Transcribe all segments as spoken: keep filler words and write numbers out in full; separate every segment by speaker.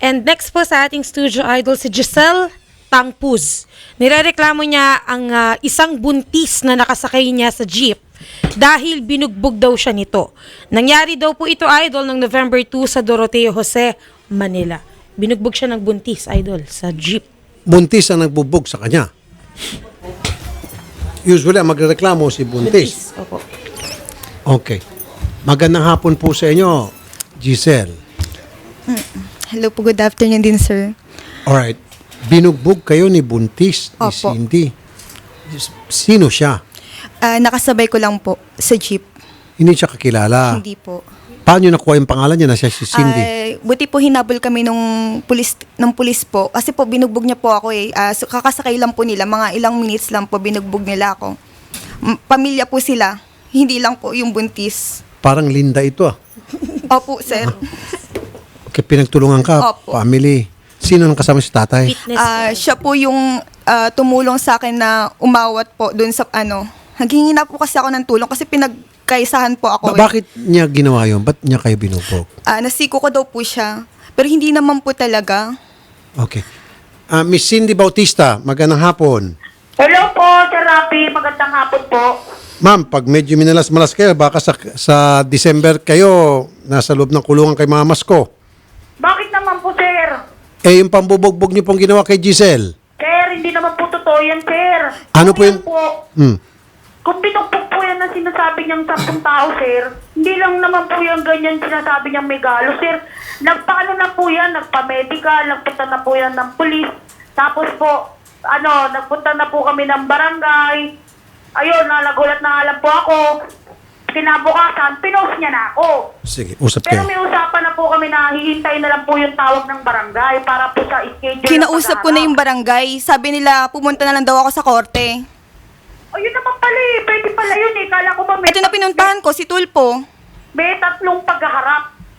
Speaker 1: And next po sa ating studio idol si Giselle Tangpuz. Nirereklamo niya ang ah, isang buntis na nakasakay niya sa jeep dahil binugbog daw siya nito. Nangyari daw po ito, idol, ng November second sa Doroteo Jose, Manila. Binugbog siya ng buntis, idol, sa jeep.
Speaker 2: Buntis ang nagbubog sa kanya. Usually, ang magreklamo si buntis.
Speaker 1: Opo.
Speaker 2: Okay. Magandang hapon po sa inyo, Giselle.
Speaker 3: Hello po, good afternoon din, sir.
Speaker 2: Alright. Binugbog kayo ni buntis, ni
Speaker 3: Opo.
Speaker 2: Cindy. Sino siya?
Speaker 3: Ah, nakasabay ko lang po sa jeep.
Speaker 2: Hindi siya kakilala.
Speaker 3: Hindi po.
Speaker 2: Paano nakuha yung pangalan niya na siya si Cindy?
Speaker 3: Ah, buti po hinabol kami nung pulis, ng pulis po. Kasi po binugbog niya po ako eh. Ah, so, kakasakay lang po nila. Mga ilang minutes lang po binugbog nila ako. M- pamilya po sila. Hindi lang po yung buntis.
Speaker 2: Parang Linda ito ah.
Speaker 3: Opo, sir.
Speaker 2: Okay, pinagtulungan ka,
Speaker 3: Opo.
Speaker 2: family. Sino nang kasama si tatay?
Speaker 1: Fitness.
Speaker 3: Ah, siya po yung ah, tumulong sa akin na umawat po doon sa ano. Naghingi na po kasi ako ng tulong kasi pinagkaisahan po ako.
Speaker 2: Ba-
Speaker 3: eh.
Speaker 2: bakit niya ginawa yun? Ba't niya kayo binugbog?
Speaker 3: Ah, nasiko ko daw po siya. Pero hindi naman po talaga.
Speaker 2: Okay. Ah, Miss Cindy Bautista, magandang hapon.
Speaker 4: Hello po, Sir Rafi. Magandang hapon po.
Speaker 2: Ma'am, pag medyo minalas-malas kayo, baka sa, sa December kayo, nasa loob ng kulungan kay mamas ko.
Speaker 4: Bakit naman po, Sir?
Speaker 2: Eh, yung pambubugbog niyo pong ginawa kay Giselle.
Speaker 4: Sir, hindi naman po totoo yan, Sir.
Speaker 2: Ano
Speaker 4: Kung
Speaker 2: po
Speaker 4: yan
Speaker 2: yun?
Speaker 4: Po,
Speaker 2: Hmm.
Speaker 4: kung binugbog po yan ang sinasabi niyang sampung tao, Sir, hindi lang naman po yan ganyan sinasabi niyang may galo, Sir. Nagpaano na po yan, nagpa-medical, nagpunta na po yan ng pulis. Tapos po, ano, nagpunta na po kami ng barangay. Ayun, nalagulat na nga lang po ako. Kinabukasan, pinost niya na ako.
Speaker 2: Sige, usap
Speaker 4: Pero
Speaker 2: kayo.
Speaker 4: may usapan na po kami na hihintay na lang po yung tawag ng barangay para po sa schedule. ng
Speaker 3: Kinausap ko na yung
Speaker 4: paghaharap.
Speaker 3: barangay. Sabi nila, pumunta na lang daw ako sa korte.
Speaker 4: O yun naman pala eh. Pwede pala yun eh. Kala ko ba may,
Speaker 3: Ito na pinuntahan ko, si Tulpo.
Speaker 4: may tatlong paghaharap.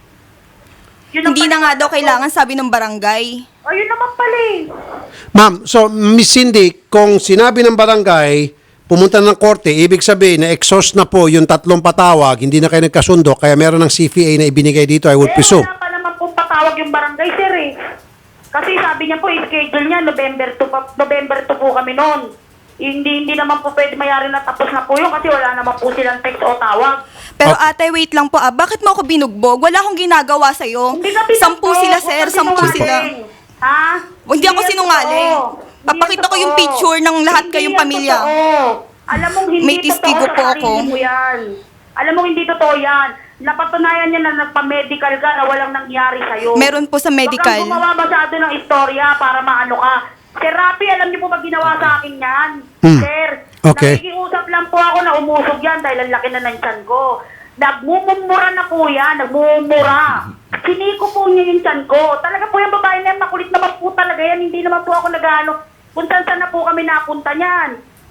Speaker 4: Yun ang
Speaker 3: Hindi na
Speaker 4: pala-
Speaker 3: nga daw kailangan, sabi ng barangay.
Speaker 4: O yun naman pala eh.
Speaker 2: Ma'am, so Miss Cindy, kung sinabi ng barangay, pumunta ng korte, ibig sabihin na exhaust na po yung tatlong patawag, hindi na kayo nagkasundo, kaya meron ng C V A na ibinigay dito, I would
Speaker 4: Eh,
Speaker 2: presume.
Speaker 4: wala pa naman pong patawag yung barangay, sir eh. Kasi sabi niya po, schedule niya, November two, pa- November two po kami noon. Hindi hindi naman po pwede mayari na tapos na po yun kasi wala naman po silang text o tawag.
Speaker 3: Pero
Speaker 2: Okay.
Speaker 3: ate, wait lang po ah. Bakit mo ako binugbog? Wala akong ginagawa sa'yo.
Speaker 4: Hindi ka
Speaker 3: Sampu
Speaker 4: binugbog,
Speaker 3: sila,
Speaker 4: huwag
Speaker 3: sir.
Speaker 4: kang
Speaker 3: Sampu sila.
Speaker 4: sinungaling. Ha?
Speaker 3: Hindi ako
Speaker 4: yan
Speaker 3: sinungaling.
Speaker 4: totoo. Hindi
Speaker 3: Papakita
Speaker 4: yan
Speaker 3: ko yung
Speaker 4: totoo.
Speaker 3: picture ng lahat
Speaker 4: Hindi
Speaker 3: kayong
Speaker 4: yan
Speaker 3: pamilya.
Speaker 4: totoo. Alam mong hindi
Speaker 3: May testigo
Speaker 4: totoo
Speaker 3: po
Speaker 4: sa
Speaker 3: ako.
Speaker 4: sarili mo yan. Alam mong hindi totoo yan. Napatunayan niya na nagpa-medical ka na walang nangyari sa'yo.
Speaker 3: Meron po sa medical.
Speaker 4: Huwag kang gumawa masyado ng istorya para maano ka. Sir Rafi, alam niyo po ba ginawa sa akin yan?
Speaker 2: Hmm.
Speaker 4: Sir,
Speaker 2: Okay.
Speaker 4: nakikiusap lang po ako na umusog yan dahil ang laki na ng tiyan ko. Nagmumumura na po yan, nagmumura. Siniko po niya yung tiyan ko. Talaga po yung babae na yan, makulit naman po talaga yan. Hindi naman po ako nag-ano. Kung saan na po kami napunta niyan.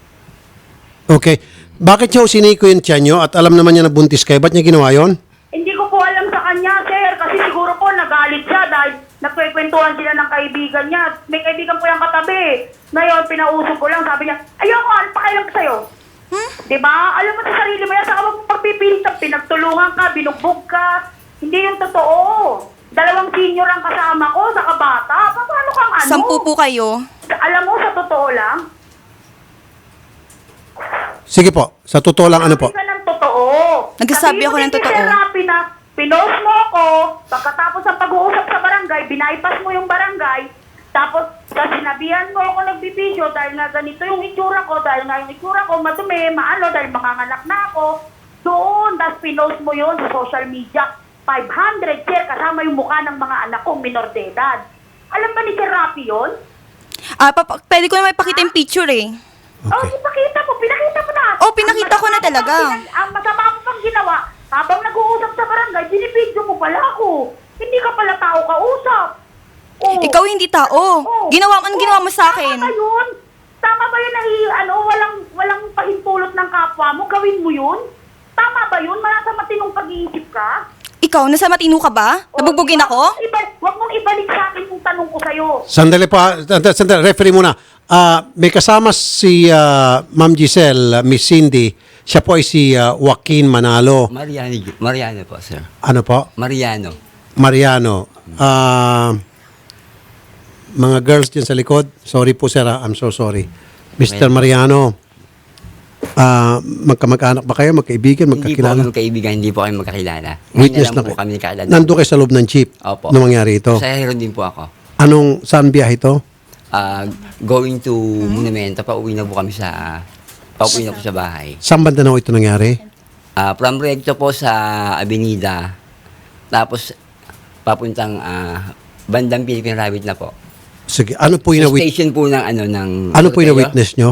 Speaker 2: Okay. Bakit niya siniko yung tiyan niyo at alam naman niya na buntis kayo? Ba't niya ginawa yon?
Speaker 4: Hindi ko po alam sa kanya, sir. Kasi siguro po nagalit siya dahil nagkwekwentuhan sila ng kaibigan niya. May kaibigan po yung katabi. Ngayon, pinausok ko lang. Sabi niya, ayoko, alpakailang sa'yo. Hmm? Diba? Alam mo sa sarili mo yan. Saka mo pagpipinta, pinagtulungan ka, binugbog ka. Hindi yung totoo. Dalawang senior ang kasama ko sa kabata. Pa- Paano kang ano?
Speaker 3: Sampu po kayo.
Speaker 4: Alam mo, sa totoo lang,
Speaker 2: Sige po, sa totoo lang ano po?
Speaker 4: Sabi ka ng totoo.
Speaker 3: Nagsasabi
Speaker 4: Sabihin
Speaker 3: ako
Speaker 4: mo
Speaker 3: ng
Speaker 4: din kay
Speaker 3: totoo.
Speaker 4: Sir Rafi na pinost mo ako, pagkatapos ng pag-uusap sa barangay, binaypas mo yung barangay, tapos sa sinabihan mo ako nagbibideo dahil nga ganito yung itsura ko, dahil nga yung itsura ko madumi, maano, dahil makanganak na ako, doon, tapos pinost mo yun sa social media, five hundred share kasama yung mukha ng mga anak kong minor de edad. Alam ba ni Sir Rafi yun?
Speaker 3: Ah, papa, pwede ko na ipakita yung picture eh.
Speaker 4: Oh,
Speaker 2: Okay.
Speaker 4: ipakita mo, pinakita mo na.
Speaker 3: Oh, pinakita
Speaker 4: Ang
Speaker 3: ko na
Speaker 4: masama
Speaker 3: talaga.
Speaker 4: pang pina- Ang masama mo pang ginawa, habang nag-uusap sa barangay, binibidyo mo pala ako. Hindi ka pala tao kausap. Oh.
Speaker 3: Ikaw hindi tao.
Speaker 4: Oh.
Speaker 3: Ginawa mo, anong ginawa mo sa akin?
Speaker 4: Tama ba yun? Tama ba yun na i- ano, walang, walang pahintulot ng kapwa mo? Gawin mo yun? Tama ba yun? Malasa matinong pag-iisip ka?
Speaker 3: Ikaw, nasa matino ka ba? Nabugbugin
Speaker 4: Wag
Speaker 3: ako?
Speaker 4: mong iba- Wag mong ibalik sa akin yung tanong ko sa'yo.
Speaker 2: Sandali pa, sandali, sandali, referee muna. Ah, may kasama si ah, Ma'am Giselle, ah, Miss Cindy. Siya po ay si ah, Joaquin Manalo.
Speaker 5: Mariano, Mariano po, sir.
Speaker 2: Ano po?
Speaker 5: Mariano.
Speaker 2: Mariano. Ah, mga girls dyan sa likod. Sorry po, sir. ah. I'm so sorry. mister Mariano, ah magkamag-anak ba kayo? Magkaibigan?
Speaker 5: Hindi po
Speaker 2: Magkakilala?
Speaker 5: kami magkaibigan, hindi po kami magkakilala. Ngayon
Speaker 2: Witness
Speaker 5: na
Speaker 2: na
Speaker 5: lang po
Speaker 2: kayo.
Speaker 5: kami nakilala.
Speaker 2: Nandun kayo sa loob ng jeep
Speaker 5: Opo.
Speaker 2: nung mangyari ito.
Speaker 5: Sa Hero din po ako.
Speaker 2: Anong, saan biyahe ito?
Speaker 5: Ah, going to Monumento, pauwi na po kami sa, pauwi na po sa bahay.
Speaker 2: Saan banda na ito nangyari?
Speaker 5: Ah, from Recto po sa Avenida, tapos papuntang ah, bandang Philippine Rabbit na po.
Speaker 2: Sige, ano po yung
Speaker 5: Sa
Speaker 2: na-witness?
Speaker 5: station po ng ano, ng...
Speaker 2: Ano po yung
Speaker 5: Ortega.
Speaker 2: na-witness nyo?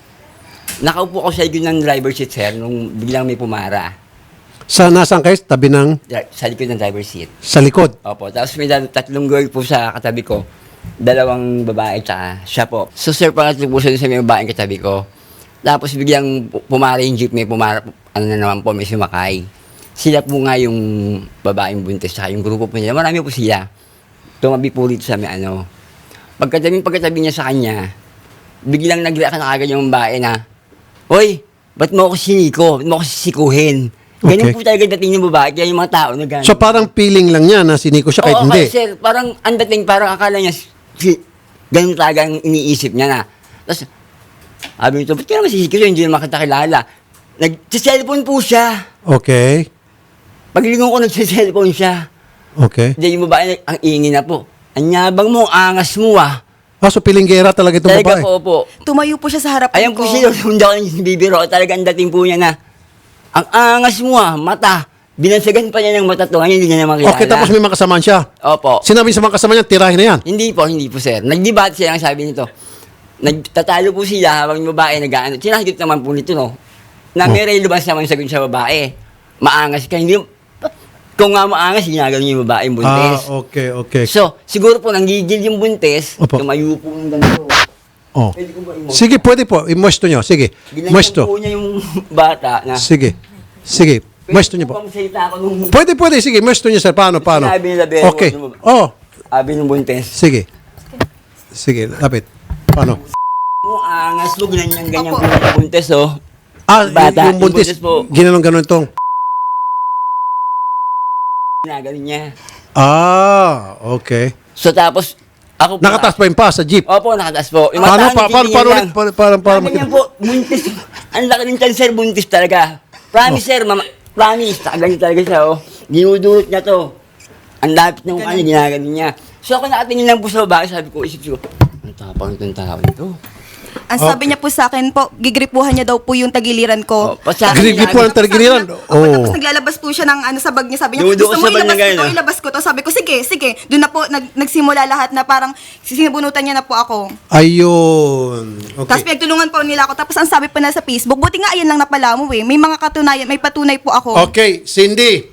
Speaker 5: Nakaupo ako sa likod ng driver seat, sir, nung biglang may pumara.
Speaker 2: Sa nasaan kayo? Tabi ng,
Speaker 5: Dra- Sa likod ng driver seat.
Speaker 2: sa likod.
Speaker 5: Opo, tapos may dal- tatlong girl po sa katabi ko. Dalawang babae tsaka siya po. So sir, pangatlo po siya dun sa may babaeng katabi ko. Tapos biglang pu- pumara yung jeep, may pumara, ano na naman po, may sumakay. Sila po nga yung babaeng buntis tsaka yung grupo po nila. Marami po sila. Tumabi po rito sa may ano. Pagkatabi, pagkatabi niya sa kanya, biglang nag-react na agad yung babae na, Hoy, ba't mo ako siniko? Ba't mo ako sisikuhin? Ganyan
Speaker 2: Okay.
Speaker 5: po talaga dating ng babae, kaya yung mga tao na gano'n.
Speaker 2: So parang feeling lang niya na siniko siya kahit
Speaker 5: Oo,
Speaker 2: hindi.
Speaker 5: kasi sir, parang ang dating, parang akala niya, si, ganun talaga ang iniisip niya na. Tapos, sabi nito, ba't ka naman sisikil yun? Hindi naman kita kilala. Nag-cellphone po siya.
Speaker 2: Okay.
Speaker 5: Paglingon ko, nag-cellphone siya.
Speaker 2: Okay.
Speaker 5: Hindi, yung babae, ang ingin na po. Anyabang mo, angas mo ah.
Speaker 2: Ah, so pilinggera talaga itong babae.
Speaker 5: Talaga po po.
Speaker 3: Tumayo po siya sa harapan
Speaker 5: Ayan
Speaker 3: ko.
Speaker 5: po siya, hindi ako bibiro. Talaga ang dating po niya na, ang angas mo ah, mata. Binansagan pa niya ng mata to, ngayon hindi niya naman kilala.
Speaker 2: Okay, tapos may makasamaan siya.
Speaker 5: Opo.
Speaker 2: Sinabi sa mga kasama niya, tirahin na yan.
Speaker 5: Hindi po, hindi po sir. Nag-debate siya ang sabi nito. Nagtatalo po sila habang yung babae nag-ano. Sinasagot naman po nito, no? Na may relevance naman sagot sa babae. Maangas ka, hindi kung nga maangas, ginagano yung babae yung buntis.
Speaker 2: Ah, okay, okay.
Speaker 5: So, siguro po nanggigil yung buntis,
Speaker 2: Opo.
Speaker 5: tumayo po ng ganito.
Speaker 2: Oh.
Speaker 5: Pwede ko ba i-mosto?
Speaker 2: Sige, pwede po. I-mosto nyo. Sige.
Speaker 5: Ginanyan
Speaker 2: Mosto.
Speaker 5: po niya yung bata na,
Speaker 2: Sige. Sige. Mosto nyo po.
Speaker 5: Pwede ko ba magsalita ako nung
Speaker 2: Pwede, pwede. Sige, mosto nyo, sir. Paano, paano?
Speaker 5: Sinabi nila, Bero,
Speaker 2: Okay.
Speaker 5: ano ba?
Speaker 2: Oh,
Speaker 5: sabi ng buntis.
Speaker 2: sige. Sige, lapit. Paano?
Speaker 5: Mo angas mo, ganyan-ganyan
Speaker 3: Opo.
Speaker 5: po yung buntis, oh.
Speaker 2: Ah,
Speaker 5: Bata,
Speaker 2: yung buntis,
Speaker 5: yung buntis po.
Speaker 2: ginanong-ganon itong.
Speaker 5: Ginagano niya.
Speaker 2: Ah, okay.
Speaker 5: So, tapos, ako po.
Speaker 2: Nakataas pa yung pa sa jeep.
Speaker 5: Opo, nakataas po. Yung
Speaker 2: Paano,
Speaker 5: mata,
Speaker 2: pa, paano,
Speaker 5: nagtitingin
Speaker 2: paano,
Speaker 5: lang.
Speaker 2: ulit? Paano, paano, paano,
Speaker 5: Sabi niya po, buntis. Ang laki ng tiyan, sir, buntis talaga. Promise, sir, mama, promise. Ganyan talaga siya, oh. Dinudulot niya to. Ang lapit ng kanya, ginagano niya. So, ako nakatingin lang po sa babae, sabi ko, isip ko, ang tapang itong tao nito.
Speaker 3: Ang sabi niya po sa akin po, gigripuhan niya daw po yung tagiliran ko.
Speaker 5: Oh, pasa-
Speaker 2: Grigri po ang targiliran.
Speaker 3: Opo,
Speaker 2: Oh.
Speaker 3: tapos naglalabas po siya ng ano sa bag niya. Sabi niya,
Speaker 5: Duduko
Speaker 3: gusto mo
Speaker 5: sa bag
Speaker 3: ilabas
Speaker 5: niya
Speaker 3: ko to,
Speaker 5: ganun, ah.
Speaker 3: ilabas ko to. Sabi ko, sige, sige. Doon na po, nag, nagsimula lahat na parang sinibunutan niya na po ako.
Speaker 2: Ayun.
Speaker 3: Tapos
Speaker 2: Okay.
Speaker 3: pinagtulungan po nila ako. Tapos ang sabi pa na sa Facebook, buti nga ayan lang napala mo eh. May mga katunayan, may patunay po ako.
Speaker 2: Okay, Cindy.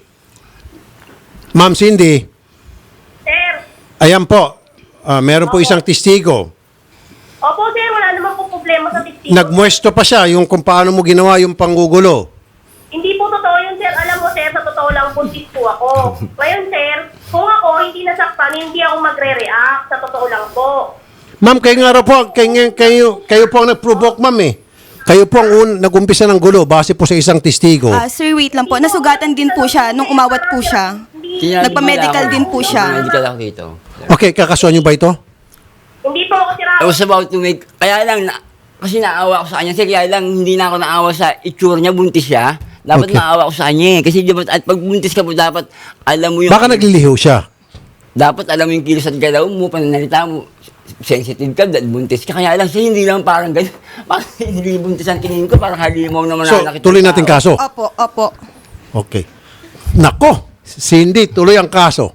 Speaker 2: Ma'am Cindy.
Speaker 4: Sir,
Speaker 2: Ayan po. Ah, meron po isang testigo.
Speaker 4: opo sir, wala naman po problema sa testigo.
Speaker 2: Nagmuesto pa siya yung kung paano mo ginawa yung panggugulo.
Speaker 4: Hindi po totoo yun, sir. Alam mo, sir, sa totoo lang, buntis po ako. Ngayon, sir, kung ako hindi nasaktan, hindi ako magre-react. Sa totoo lang po.
Speaker 2: Ma'am, kayo nga raw po, kayo, kayo, kayo po ang nag-provoke, ma'am eh. Kayo po ang un, nag-umpisa ng gulo base po sa isang testigo.
Speaker 3: Ah, sir, wait lang po. Nasugatan din po siya nung umawat po siya.
Speaker 4: Hindi,
Speaker 5: Sinabi
Speaker 3: Nagpa-medical
Speaker 5: nila ako.
Speaker 3: din po siya.
Speaker 5: Nagpa-medical ako dito.
Speaker 2: Okay, kakasuhan niyo ba ito?
Speaker 4: hindi po ako sira.
Speaker 5: I was about to make, kaya lang, na, kasi naawa ako sa kanya, sir, kaya lang hindi na ako naawa sa itsura niya, buntis siya. Dapat
Speaker 2: Okay.
Speaker 5: naawa ako sa kanya eh. Kasi dapat, at pag buntis ka po, dapat alam mo yung...
Speaker 2: Baka nagliliho siya.
Speaker 5: Dapat alam mo yung kilos at galaw mo, pananalita mo. Sensitive ka, dahil buntis ka. Kaya lang siya, hindi lang parang gano'n. Parang hindi buntis ang tingin ko, parang halimaw naman
Speaker 2: So,
Speaker 5: nakakita
Speaker 2: tuloy
Speaker 5: ng
Speaker 2: natin
Speaker 5: tao.
Speaker 2: kaso.
Speaker 3: Opo, opo.
Speaker 2: Okay. Nako, Cindy, tuloy ang kaso.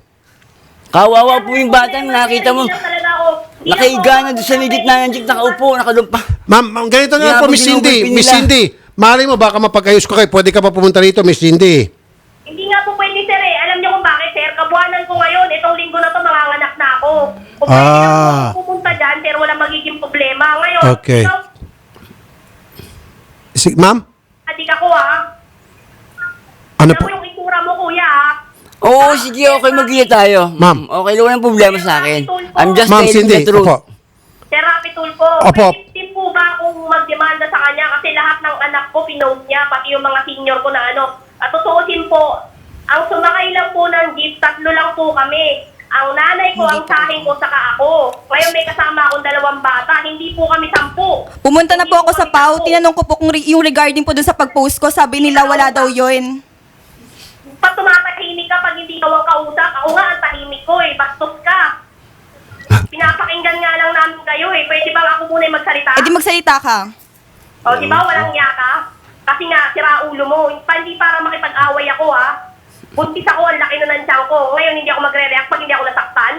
Speaker 5: Kawawa po yung batang nakita mo.
Speaker 4: Hindi lang talaga ako. Hindi
Speaker 5: Nakahiga
Speaker 4: ako-
Speaker 5: na doon sa ligit na ng jeep, nakaupo, nakadumpa.
Speaker 2: Ma'am, ma'am, ganito na lang po,
Speaker 5: Grabe,
Speaker 2: Miss Cindy.
Speaker 5: ginugulpin
Speaker 2: Miss
Speaker 5: nila.
Speaker 2: Cindy, mali mo, baka mapagayos ko kayo. Pwede ka pa pumunta rito, Miss Cindy.
Speaker 4: Hindi nga po pwede, sir eh. Alam niyo kung bakit, sir? Kabuhanan ko ngayon. Itong linggo na to, manganganak na ako. Kung pwede
Speaker 2: Ah.
Speaker 4: lang po ako pumunta dyan, sir, wala magiging problema. Ngayon,
Speaker 2: Okay.
Speaker 4: ikaw,
Speaker 2: Si, ma'am,
Speaker 4: adik ako ah.
Speaker 2: ano
Speaker 4: Alam
Speaker 2: po?
Speaker 4: mo yung itsura mo, kuya ah.
Speaker 5: Oo, sige, okay, mag-iya tayo.
Speaker 2: Ma'am.
Speaker 5: Okay, wala nang problema sa akin. I'm just
Speaker 2: Ma'am
Speaker 5: telling
Speaker 2: Cindy,
Speaker 5: the truth.
Speaker 2: opo.
Speaker 4: Sir Rapi Tulfo,
Speaker 2: Opo.
Speaker 4: pwede din po ba akong magdemanda sa kanya kasi lahat ng anak ko pinost niya, pati yung mga senior ko na ano. At tutuusin po, ang sumakay lang po ng jeep, tatlo lang po kami. ang nanay ko, ang sahin ko, saka ako. Ngayon may kasama akong dalawang bata, hindi po kami sampu.
Speaker 3: Pumunta na
Speaker 4: Hindi
Speaker 3: po ako sa
Speaker 4: kami
Speaker 3: P A O,
Speaker 4: sampu.
Speaker 3: tinanong ko po kung re- yung regarding po dun sa pag-post ko, sabi nila wala daw yun.
Speaker 4: Pag tumatahimik ka, pag hindi ka ang kausap, ako nga ang tahimik ko eh, bastos ka. Pinapakinggan nga lang namin kayo eh, pwede bang ako muna yung magsalita?
Speaker 3: Eh di magsalita ka.
Speaker 4: O, di ba, walang niya ka? Kasi nga, sira ulo mo. Pa- Hindi para makipag-away ako, ha? Buntis ako, ang laki na ng tiyan ko. Ngayon, hindi ako magre-react pag hindi ako nasaktan.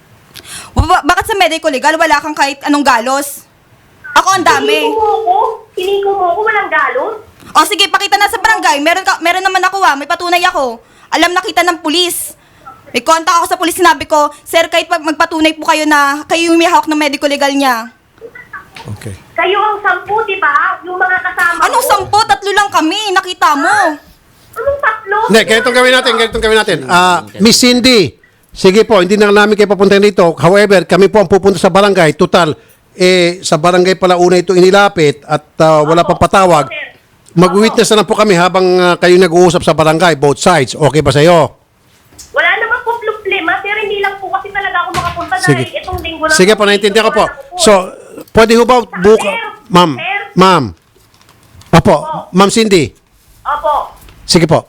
Speaker 3: Ba- bakit sa medical legal wala kang kahit anong galos? Ako ang dami.
Speaker 4: Hiniko mo ako. Hiniko mo ako, walang galos.
Speaker 3: O sige, pakita na sa barangay. Meron, ka, meron naman ako ah, may patunay ako. Alam na kita ng pulis. May contact ako sa pulis, sinabi ko, sir, kahit pag magpatunay po kayo na kayo yung may hawak ng medical legal niya.
Speaker 2: Okay.
Speaker 4: Kayo ang sampu, di ba? Yung mga kasama
Speaker 3: Anong
Speaker 4: ko.
Speaker 3: sampo? Tatlo lang kami, nakita mo.
Speaker 4: Anong tatlo?
Speaker 2: Hindi, ganitong gawin natin, ganitong gawin natin. Ah, Miss Cindy, sige po, hindi na namin kayo papuntahin dito. However, kami po ang pupunta sa barangay. Total, eh, sa barangay pala una ito inilapit at ah, wala pang patawag. Mag-witness na lang po kami habang ah, kayo nag-uusap sa barangay, both sides. Okay ba sa'yo?
Speaker 4: Wala naman po problema, sir. Hindi lang po kasi talaga ako makapunta
Speaker 2: Sige.
Speaker 4: dahil itong linggo na
Speaker 2: Sige
Speaker 4: po,
Speaker 2: po, naintindihan ko po.
Speaker 4: wala ako
Speaker 2: So, pwede ho ba buka...
Speaker 4: Sir,
Speaker 2: Ma'am,
Speaker 4: sir.
Speaker 2: ma'am. Opo, ma'am Cindy.
Speaker 4: Opo.
Speaker 2: Sige po.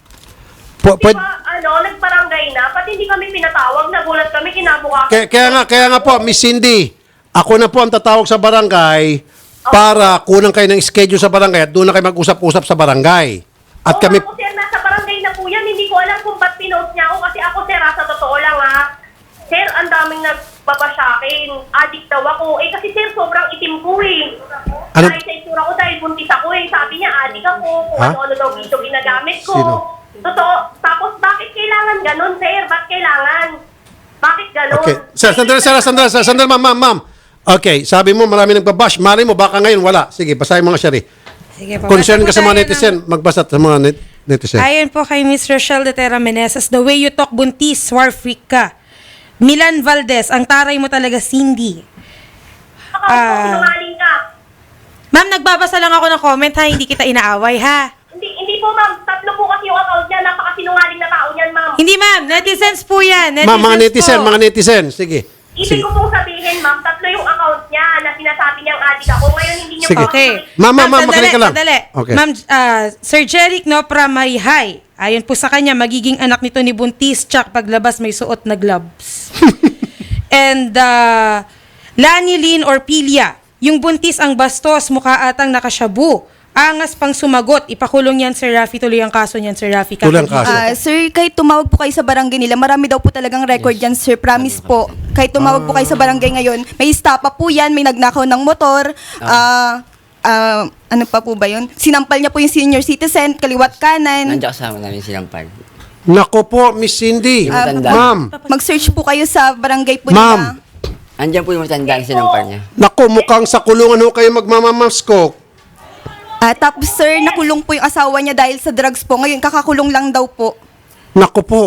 Speaker 2: Po,
Speaker 4: Di
Speaker 2: pwede,
Speaker 4: ba, ano, nagbarangay na, pati hindi kami pinatawag, nagulat kami, kinabukasan.
Speaker 2: kaya, kaya nga, kaya nga po, Miss Cindy, ako na po ang tatawag sa barangay para kunan kayo ng schedule sa barangay at doon na kayo mag-usap-usap sa barangay. At
Speaker 4: Oo,
Speaker 2: kami,
Speaker 4: ako, sir, nasa barangay na po yan. Hindi ko alam kung ba't pinost niya ako kasi ako, sir, ha, sa totoo lang, ha. Sir, ang daming nagbaba sa akin. Addict daw ako. Eh, kasi, sir, sobrang itim ko, eh.
Speaker 2: Ano?
Speaker 4: Dahil sa itsura ko, dahil buntis ako, eh. Sabi niya, addict ako. Kung
Speaker 2: Ha?
Speaker 4: ano-ano daw dito ginagamit ko.
Speaker 2: Sino?
Speaker 4: Totoo. Tapos, bakit kailangan ganun, sir? Bakit kailangan? Bakit ganun?
Speaker 2: okay. Sir, sandali, sir, sandali, sir, sandali, ma'am, ma'am, ma'am. Okay, sabi mo marami nagbabash. Mali mo, baka ngayon wala. Sige, basahin mo nga, Shari.
Speaker 1: Sige po.
Speaker 2: Concern
Speaker 1: Basta
Speaker 2: ka sa
Speaker 1: po
Speaker 2: mga
Speaker 1: tayo
Speaker 2: netizen,
Speaker 1: ng-
Speaker 2: magbasa sa mga net, netizen.
Speaker 1: Ayon po kay Miss Rochelle de Terra Meneses, the way you talk buntis, war freak ka. Milan Valdez, ang taray mo talaga, Cindy.
Speaker 4: Baka
Speaker 1: Ah.
Speaker 4: sinungaling ka.
Speaker 1: Ma'am, nagbabasa lang ako ng comment ha, hindi kita inaaway ha.
Speaker 4: Hindi, hindi po, ma'am. Tatlo po kasi yung account niya. Napakasinungaling na tao niyan, ma'am.
Speaker 1: Hindi ma'am, netizens po yan. Netizens
Speaker 2: Ma'am, mga netizen,
Speaker 1: po.
Speaker 2: mga netizen. Sige.
Speaker 4: Ibig
Speaker 2: Sige.
Speaker 4: ko pong sabihin, ma'am, tatlo yung account niya na sinasabi niyang adik ako. Ngayon, hindi niyo
Speaker 2: Sige.
Speaker 4: po
Speaker 1: Okay.
Speaker 2: Ma'am, ma'am, ma'am,
Speaker 1: sandali,
Speaker 2: makinig ka lang.
Speaker 1: sandali.
Speaker 2: Okay.
Speaker 1: Ma'am, ah, Sir Jeric Nopra Mayhay. Ayon po sa kanya, magiging anak nito ni Buntis, tsak paglabas may suot na gloves. And uh, Lani Lynn Orpilia, yung buntis ang bastos, mukha atang nakasyabu. Angas pang sumagot, ipakulong yan Sir Rafi, tuloy ang kaso niyan Sir Rafi.
Speaker 2: Tuloy ang kaso.
Speaker 3: Ah, sir, kahit tumawag po kayo sa barangay nila, marami daw po talagang record yan, sir. Promise po. Kahit tumawag po kayo sa barangay ngayon, may estapa po yan, may nagnakaw ng motor. Ah, ah, ano pa po ba yun? Sinampal niya po yung senior citizen, kaliwat kanan.
Speaker 5: Nandiyan kasama namin sinampal.
Speaker 2: Nako po, Miss Cindy.
Speaker 5: Ah, Matanda.
Speaker 2: Ma'am,
Speaker 3: Mag-search po kayo sa barangay po
Speaker 2: Ma'am.
Speaker 3: nila.
Speaker 5: Andiyan po yung matanda na sinampal niya.
Speaker 2: nako, mukhang sa kulungan ho kayo magmamamaskok.
Speaker 3: Ah, tapos sir, nakulong po yung asawa niya dahil sa drugs po. Ngayon, kakakulong lang daw po.
Speaker 2: Nako po.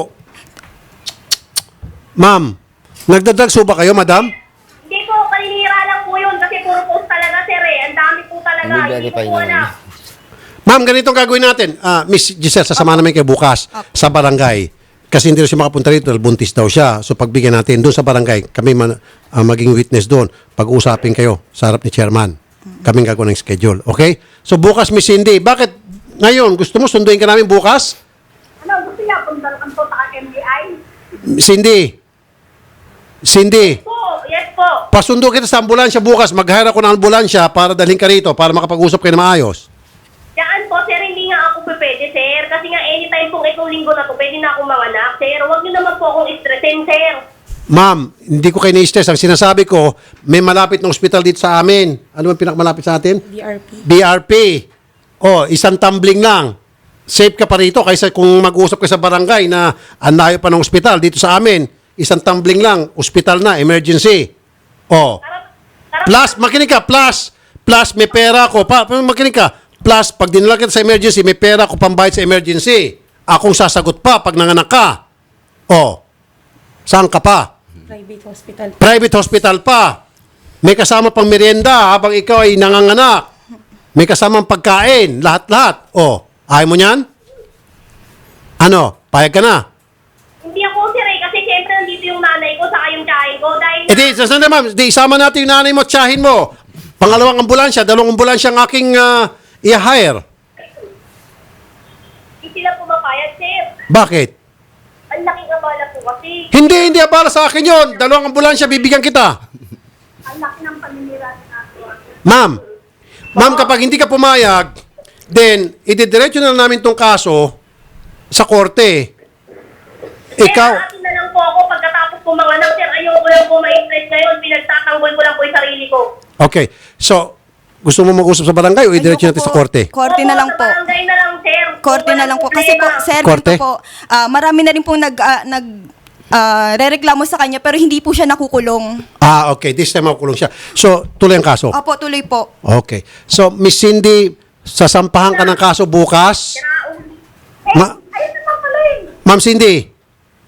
Speaker 2: Ma'am, nagdadrugs ho ba kayo, madam?
Speaker 4: Hindi po, paninira lang po yun kasi puro post talaga, sir eh. Ang dami po talaga.
Speaker 5: Hindi
Speaker 4: Hindi ko
Speaker 5: verify
Speaker 4: po
Speaker 5: naman.
Speaker 4: alam.
Speaker 2: Ma'am, ganito ang gagawin natin. Ah, Miss Giselle, sasama namin kayo bukas sa barangay. Kasi hindi rin siya makapunta rito dahil buntis daw siya. So pagbigyan natin doon sa barangay, kami man, ah, maging witness doon. Pag-uusapin kayo sa harap ni chairman. Kaming gagawin ng schedule. Okay? So bukas, Miss Cindy, bakit ngayon? Gusto mo sunduin ka namin bukas?
Speaker 4: Ano, gusto niya punta lang po sa M B I?
Speaker 2: Cindy. Cindy.
Speaker 4: Po, yes po.
Speaker 2: Pasundo kita sa ambulansya bukas. Mag-hire ako ng ambulansya para dalhin ka rito para makapag-usap kayo na maayos.
Speaker 4: Yan po, sir, hindi nga ako pwede, sir. Kasi nga anytime pong itong linggo na to, pwede na akong manganak, sir. Huwag niyo naman po akong stressin, sir.
Speaker 2: Ma'am, hindi ko kayo na-stress. Ang sinasabi ko, may malapit na ospital dito sa amin. Ano ang pinakamalapit sa atin?
Speaker 1: B R P.
Speaker 2: B R P. Oh, isang tumbling lang. Safe ka pa rito kaysa kung mag-usap ka sa barangay na ang layo pa ng ospital dito sa amin. Isang tumbling lang, ospital na, emergency. Oh.
Speaker 4: Tarap, tarap,
Speaker 2: Plus, makinig ka, plus, plus may pera ko. Pa, makinig ka, plus, pag dinala kita sa emergency, may pera ko pambayad sa emergency. Akong sasagot pa pag nanganak ka. Oh. Saan ka pa?
Speaker 1: Private hospital.
Speaker 2: Private hospital pa. May kasama pang merienda habang ikaw ay nanganganak. May kasamang pagkain. Lahat-lahat. O, ayaw mo niyan? Ano? Payag ka na?
Speaker 4: hindi ako, sir, eh. Kasi siyempre nandito yung nanay
Speaker 2: Eh di, sasanda ma'am, di isama natin yung nanay mo at tiyahin mo. Pangalawang ambulansya, dalawang ambulansya ang aking uh, i-hire.
Speaker 4: Hindi sila pumapayag, sir.
Speaker 2: Bakit?
Speaker 4: Ang laking abala po kasi.
Speaker 2: Hindi, hindi abala sa akin yon. Dalawang ambulansya, bibigyan kita.
Speaker 4: Ang laki ng paninirahan natin.
Speaker 2: Ma'am, ma'am, kapag hindi ka pumayag, then, ididiretso na namin tong kaso sa korte. Ikaw,
Speaker 4: Sir, atin na lang po ako pagkatapos po mga anak, sir. Ayoko lang po ma-stress ngayon. Pinagtatanggol ko lang po yung sarili ko.
Speaker 2: okay. So, gusto mo mag-usap sa barangay o idiretso
Speaker 3: Ayoko
Speaker 2: natin
Speaker 3: po.
Speaker 2: sa korte?
Speaker 3: Korte na
Speaker 4: Opo,
Speaker 3: lang
Speaker 4: sa
Speaker 3: po.
Speaker 4: barangay na lang, sir.
Speaker 3: Korte na lang po. Kasi po,
Speaker 4: Problema.
Speaker 3: sir,
Speaker 2: Korte?
Speaker 3: ganito po, ah, marami na rin pong nag, ah, nag ah, rereklamo sa kanya pero hindi po siya nakukulong.
Speaker 2: Ah, okay. This time makukulong siya. So, tuloy ang kaso.
Speaker 3: Opo, tuloy po.
Speaker 2: Okay. So, Miss Cindy, sasampahan ka ng kaso bukas.
Speaker 4: Eh,
Speaker 2: Ma-
Speaker 4: ayun na pala eh.
Speaker 2: Ma'am Cindy,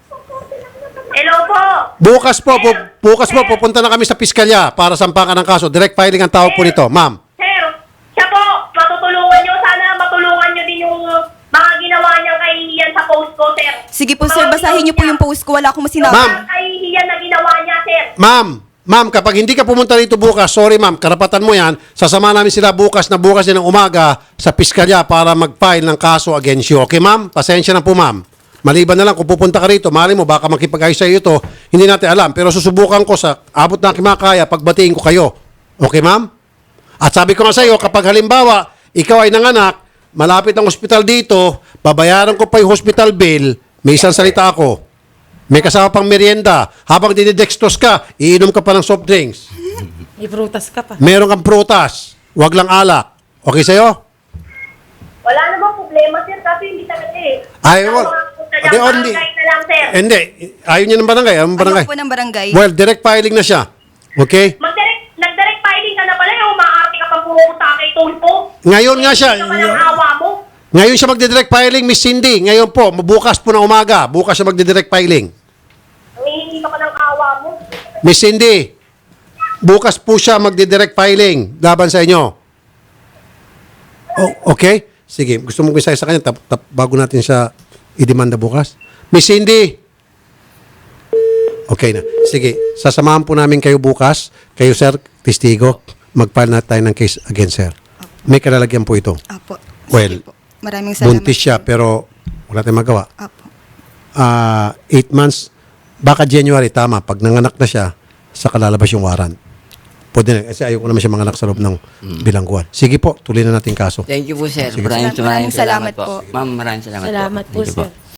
Speaker 4: Hello po.
Speaker 2: bukas po, pu- bukas po, pupunta na kami sa piskalya para sampahan ka ng kaso. Direct filing ang tawag po nito, ma'am.
Speaker 4: Sir, siya po, matutulungan nyo. Sana matulungan nyo din yung mga ginawa niyang kahihiyan sa post ko, sir.
Speaker 3: Sige po, sir, basahin niyo po yung post ko. Wala akong sinabi.
Speaker 2: Ma'am.
Speaker 4: Mga kahihiyan na ginawa niya, sir.
Speaker 2: Ma'am, ma'am, kapag hindi ka pumunta rito bukas, sorry ma'am, karapatan mo yan, sasama namin sila bukas na bukas din ng umaga sa piskalya para mag-file ng kaso against you. Okay ma'am? Pasensya na po ma'am. Maliban na lang kung pupunta ka rito, mali mo, baka makipag-ayos sa iyo ito, hindi natin alam. Pero susubukan ko sa abot na aking makakaya, pagbatiin ko kayo. Okay ma'am? At sabi ko nga sa iyo, kapag halimbawa, ikaw ay nanganak, malapit ang ospital dito, babayaran ko pa yung hospital bill, may isang salita ako. May kasama pang merienda. Habang dinidextrose ka, iinom ka pa ng soft drinks.
Speaker 1: May prutas ka pa.
Speaker 2: Meron kang prutas. Huwag lang alak. Okay sa'yo?
Speaker 4: Wala namang problema, sir, kasi hindi talaga eh.
Speaker 2: Ay,
Speaker 4: Ako,
Speaker 2: wal-
Speaker 4: mga
Speaker 2: Ade,
Speaker 4: taga-
Speaker 2: oh, hindi.
Speaker 4: barangay na lang, sir.
Speaker 2: Hindi. Ayaw niya ng barangay. Ayaw ng barangay.
Speaker 3: Ayoko po ng barangay.
Speaker 2: Well, direct filing na siya. Okay?
Speaker 4: Mag-direct, nag-direct filing ka na pala, yung umaarte ka pang pumunta kay Tulpo.
Speaker 2: Ngayon nga siya.
Speaker 4: Hindi ka palang awa mo.
Speaker 2: Ngayon siya magdidirect filing, Miss Cindy. Ngayon po, bukas po na umaga. Bukas siya magdidirect filing.
Speaker 4: Hindi ka palang awa mo.
Speaker 2: Miss Cindy, bukas po siya magdidirect filing laban sa inyo. Oh, okay? Sige, gusto mong isaya sa kanya tap, tap, bago natin siya idemanda bukas. Miss Cindy! Okay na. Sige, sasamahan po namin kayo bukas. Kayo, sir, testigo. Mag-file na tayo ng case against sir. May kalalagyan po ito.
Speaker 3: Opo.
Speaker 2: Well,
Speaker 3: Sige po. Maraming salamat.
Speaker 2: Buntis siya, pero wala tayong magawa.
Speaker 3: Opo.
Speaker 2: Ah, eight months, baka January, tama. Pag nanganak na siya, saka lalabas yung warrant. Pwede na. Kasi ayaw ko naman siya manganak sa loob ng bilangguan. Sige po, tuloy na natin kaso.
Speaker 5: Thank you po, sir.
Speaker 2: Sige.
Speaker 5: Maraming, maraming
Speaker 3: Maraming
Speaker 5: salamat
Speaker 3: salamat
Speaker 5: po.
Speaker 3: po.
Speaker 5: Ma'am, maraming salamat,
Speaker 1: Salamat po,
Speaker 5: Thank you
Speaker 1: sir.